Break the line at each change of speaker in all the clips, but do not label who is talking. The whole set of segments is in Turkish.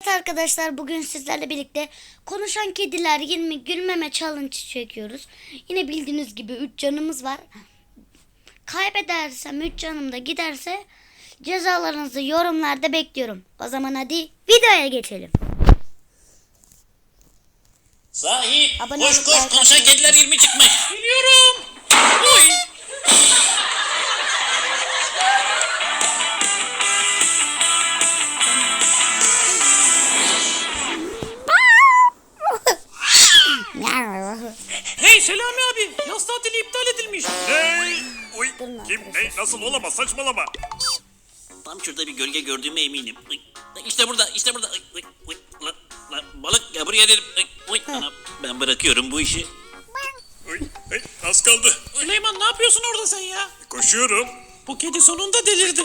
Evet arkadaşlar, bugün sizlerle birlikte konuşan kediler 20 gülmeme challenge çekiyoruz. Yine bildiğiniz gibi 3 canımız var. Kaybedersem 3 canım da giderse cezalarınızı yorumlarda bekliyorum. O zaman hadi videoya geçelim.
Sahi
Abone
koş
olup
koş
like
konuşan
atmayı
kediler 20 çıkmış. Biliyorum. Oy. Hey Selami abi, yaz tatili iptal edilmiş.
Ne? Uy,
Durun
kim
arkadaşlar.
ne nasıl olamaz, saçmalama.
Tam şurada bir gölge gördüğüme eminim. Uy, İşte burada, işte burada. Uy, uy, lan, balık ya buraya dedim. Uy, anam, ben bırakıyorum bu işi.
Uy, hey, az kaldı.
Süleyman ne yapıyorsun orada sen ya?
Koşuyorum.
Bu kedi sonunda delirdi.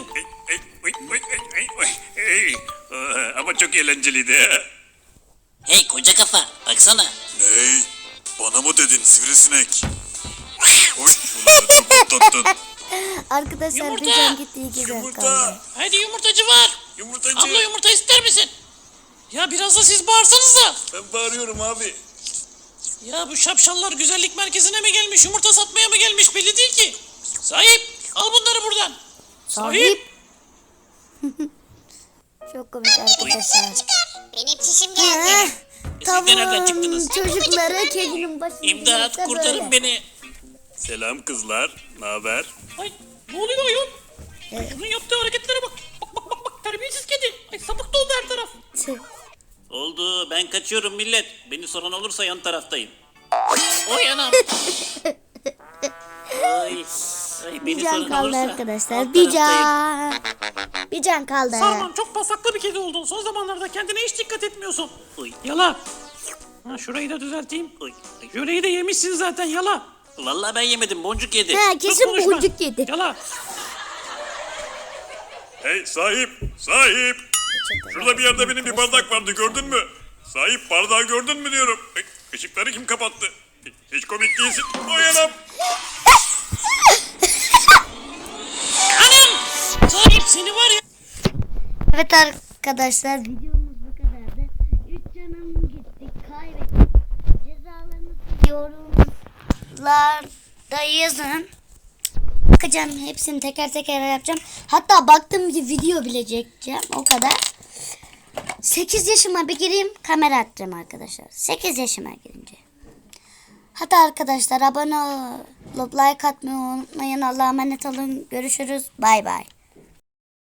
Ama çok eğlenceliydi.
Hey koca kafa, baksana.
Ney? Bana mı dedin sivrisinek? Oy, ulan çok patlattın.
Arkadaşlar
Yumurta!
bir can gitti, 2 can kaldı.
Yumurta.
Hadi yumurtacı var.
Yumurtacı.
Abla yumurta ister misin? Ya biraz da siz bağırsanız da.
Ben bağırıyorum abi.
Ya bu şapşallar güzellik merkezine mi gelmiş, yumurta satmaya mı gelmiş belli değil ki. Sahip, al bunları buradan.
Sahip. Çok komik arkadaşlar.
Benim çişim
Ha,
geldi.
Siz de nereden çıktınız?
Çocukları kedinin başına
İmdat,
gelirse
kurtarın
böyle.
beni.
Selam kızlar. Ne haber?
Ay, ne oluyor ayol? Şunun yaptığı hareketlere bak. Bak, terbiyesiz kedi. Ay, sapık doldu her taraf.
Tüh.
Oldu, ben kaçıyorum millet. Beni soran olursa yan taraftayım. Oy anam. Ay,
Bir
beni
can
soran
kaldı
olursa
arkadaşlar.
alt
Bir
taraftayım.
can. Bir can kaldı.
Sarman çok pasaklı bir kedi oldun. Son zamanlarda kendine hiç dikkat etmiyorsun.
Oy,
Yala. Ha, şurayı da düzelteyim.
oy.
Jöleyi de yemişsin zaten yala.
Vallahi ben yemedim, boncuk yedi.
Ha,
Çok
kesin
konuşma.
boncuk yedi.
Yala.
Hey sahip. Sahip. Şurada bir yerde benim bir bardak vardı, gördün mü? Sahip, bardağı gördün mü diyorum. Işıkları kim kapattı? Hiç komik değilsin. Oy anam.
Anam! Sahip seni var ya.
Evet arkadaşlar, videomuz bu kadardı. 3 canım gitti, kaybettim. Cezalarınızı yorumlarda yazın. Bakacağım, hepsini teker teker yapacağım. Hatta baktığım bir video bile çekeceğim, o kadar. 8 yaşıma bir gireyim, kamera atacağım arkadaşlar. 8 yaşıma girince. Hatta arkadaşlar abone olup like atmayı unutmayın. Allah'a emanet olun. Görüşürüz. Bay bay.